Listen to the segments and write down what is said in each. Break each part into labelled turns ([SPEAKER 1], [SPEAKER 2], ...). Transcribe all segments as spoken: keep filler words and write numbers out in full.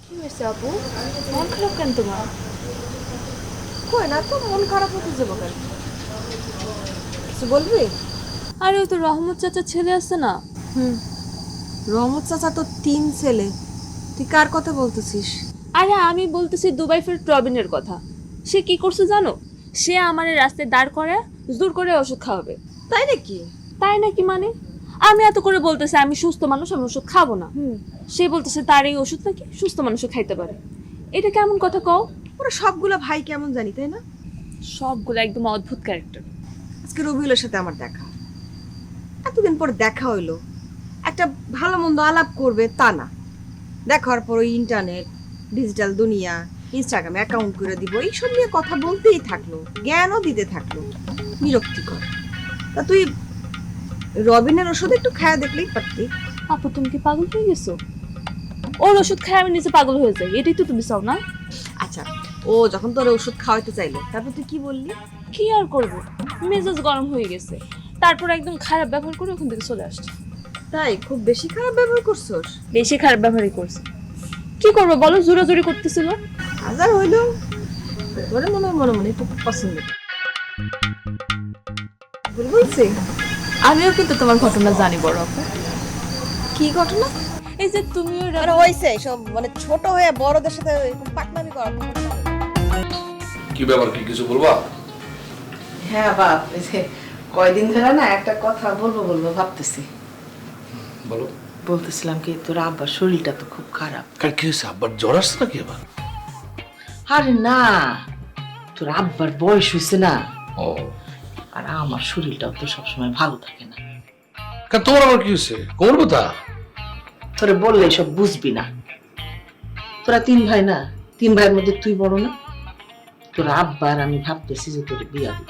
[SPEAKER 1] কি হয়েছে আপু? মন খারাপ কেন তোমার?
[SPEAKER 2] কই না তো, মন খারাপ হতে যাবো কেন? কিছু বলবি?
[SPEAKER 1] আরে ও তো রহমত চাচার ছেলে আছে না?
[SPEAKER 2] হুম। রহমত চাচা তো তিন ছেলে, তুই কার কথা বলতেছিস?
[SPEAKER 1] আরে আমি বলতেছি দুবাই ফের প্রবীণের কথা। সে কি করছে জানো? সে আমার রাস্তায় দাঁড় করে জোর করে ওষুধ খাওয়াবে।
[SPEAKER 2] তাই নাকি?
[SPEAKER 1] তাই নাকি মানে? আমি এত করে বলতেছি আমি সুস্থ মানুষ, আমি ওষুধ খাবো না।
[SPEAKER 2] হুম।
[SPEAKER 1] সে বলতেছে তার এই ওষুধ নাকি সুস্থ মানুষও খাইতে পারে। এটা কেমন কথা কও?
[SPEAKER 2] ওরা সবগুলা ভাই কেমন জানি, তাই না?
[SPEAKER 1] সবগুলো একদম অদ্ভুত ক্যারেক্টার।
[SPEAKER 2] আজকে রবিউলের সাথে আমার দেখা, এতদিন পর দেখা হইলো, একটা ভালো মন্দ আলাপ করবে তা না, দেখার পর ওই ইন্টারনেট, ডিজিটাল দুনিয়া, ইনস্টাগ্রামে অ্যাকাউন্ট করে দিব, এইসব নিয়ে কথা বলতেই থাকলো, জ্ঞানও দিতে থাকলো। বিরক্তিকর। তা তুই রবিনের ওষুধ একটু খায়া দেখলেই পারতি।
[SPEAKER 1] আপু তুমি কি পাগল হয়ে গেছো? ওর ওষুধ খাই আমি নিজে পাগল হয়ে যাই, এটাই তো তুমি চাও না?
[SPEAKER 2] আচ্ছা, ও যখন তোর ওষুধ খাওয়াইতে চাইলো তারপর তুই কি বললি?
[SPEAKER 1] কি আর করবো, মেজাজ গরম হয়ে গেছে। তারপর একদম খারাপ ব্যবহার করে ওখান থেকে চলে আসছে।
[SPEAKER 2] তাই খুব বেশি খারাপ ব্যবহার করছোস?
[SPEAKER 1] বেশি খারাপ ব্যবহারই করছে। কি করবো বলো, জোরাজুরি করতেছিল।
[SPEAKER 2] হাজার হইলো তোরে মনে মনে মনে খুব পছন্দ বলে বলছি।
[SPEAKER 1] আমিও কিন্তু তোমার ঘটনা জানি বড় আপু।
[SPEAKER 2] কি ঘটনা?
[SPEAKER 1] এই যে তুমি
[SPEAKER 2] মানে হইছে সব, মানে ছোট হয়ে বড়দের সাথে এরকম পাকনামি করা।
[SPEAKER 3] কি ব্যাপার, কি কিছু বলবা?
[SPEAKER 4] হ্যাঁ বাপ, এই যে কয়দিন ধরে না একটা কথা বলবো বলবো ভাবতেছি।
[SPEAKER 3] বলো।
[SPEAKER 4] বলতেছিলাম কি, তোর আব্বার শরীরটা তো খুব খারাপ।
[SPEAKER 3] কার কি হয়েছে? আব্বার জ্বর আসছে নাকি এবার?
[SPEAKER 4] আরে না, তোর আব্বার বয়স হয়েছে না,
[SPEAKER 3] ও,
[SPEAKER 4] আর আমার শরীরটাও তো সবসময় ভালো থাকে না।
[SPEAKER 3] কার তোমার আবার কি হয়েছে? কোমর ব্যথা?
[SPEAKER 4] তোরে বললে সব বুঝবি না। তোরা তিন ভাই না, তিন ভাইয়ের মধ্যে তুই বড় না? তোর আব্বার আমি ভাবতেছি যে তোর বিয়া দিব।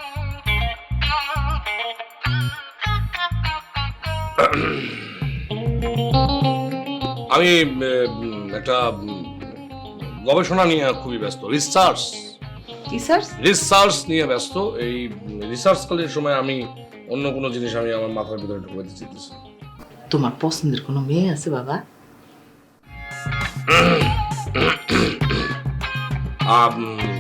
[SPEAKER 3] আমি উম, একটা উম, গবেষণা নিয়ে খুবই ব্যস্ত, রিসার্চ
[SPEAKER 4] রিসার্চ?
[SPEAKER 3] রিসার্চ নিয়ে ব্যস্ত। এই রিসার্চ কালের সময় আমি অন্য কোনো জিনিস আমি আমার মাথার ভিতরে ঢুকাতে চাইতেছি।
[SPEAKER 4] তোমার পছন্দের কোনো মেয়ে আছে বাবা?
[SPEAKER 3] আম,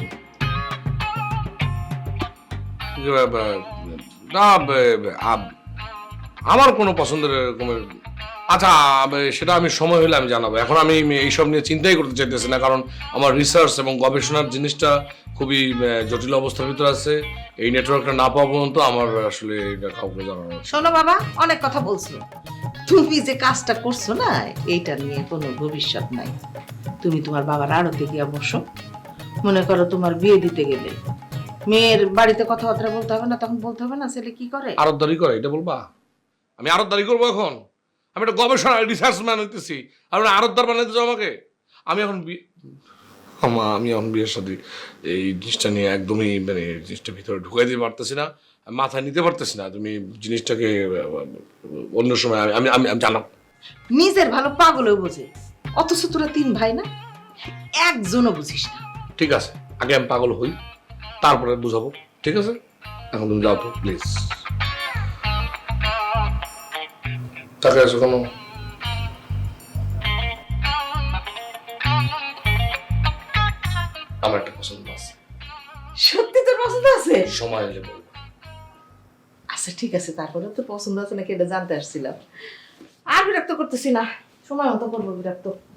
[SPEAKER 3] না, আম, আমার কোনো পছন্দের এরকমের, আচ্ছা আব- সেটা আমি সময় হলে আমি জানাবো। এখন আমি এইসব নিয়ে চিন্তাই করতে চাইতেছি না, কারণ আমার রিসার্চ এবং গবেষণার জিনিসটা খুবই আহ, জটিল অবস্থার ভিতরে আছে। এই নেটওয়ার্কটা না পাওয়া পর্যন্ত আমার আসলে এটা কাউকে জানানো।
[SPEAKER 4] শোনো বাবা, অনেক কথা বলছো, তুমি যে কাজটা করছো না, এইটা নিয়ে কোনো ভবিষ্যৎ নাই। তুমি তোমার বাবার আড়তে গিয়া বসো। মনে করো তোমার বিয়ে দিতে গেলে মেয়ের বাড়িতে কথাবার্তা বলতে হবে না, তখন বলতে হবে না ছেলে কি করে।
[SPEAKER 3] আরতদারি করে এটা বলবা? আমি আরতদারি করবো এখন? আমি একটা গবেষণা রিসার্চ ম্যান হইতেছি, আর আরতদার বানাইতে চাও আমাকে? আমি এখন বি- আমা আমি এখন বিয়ের সাথে এই জিনিসটা নিয়ে একদমই মানে এই জিনিসটা ভিতরে ঢুকাই দিতে পারতেছি না, আমি মাথায় নিতে পারতেছি না। তুমি জিনিসটাকে আহ, অন্য সময় আমি আমি আমি আমি জানাবো।
[SPEAKER 4] নিজের ভালো পাগলেও বোঝে, অথচ তোরা তিন ভাই না, একজনও বুঝিস না।
[SPEAKER 3] ঠিক আছে, আগে আমি পাগল হই, তারপরে বুঝাবো। ঠিক আছে, এখন তুমি যাও তো প্লিজ। তাকে আছো কেন? আমার একটা পছন্দ আছে,
[SPEAKER 4] সত্যি তোর পছন্দ আছে?
[SPEAKER 3] সময় এলে বলবো।
[SPEAKER 4] আচ্ছা ঠিক আছে, তারপরে তো পছন্দ আছে নাকি এটা জানতে আসছিলাম। আর বিরক্ত করতেছি না, সময় মতো করবো বিরক্ত।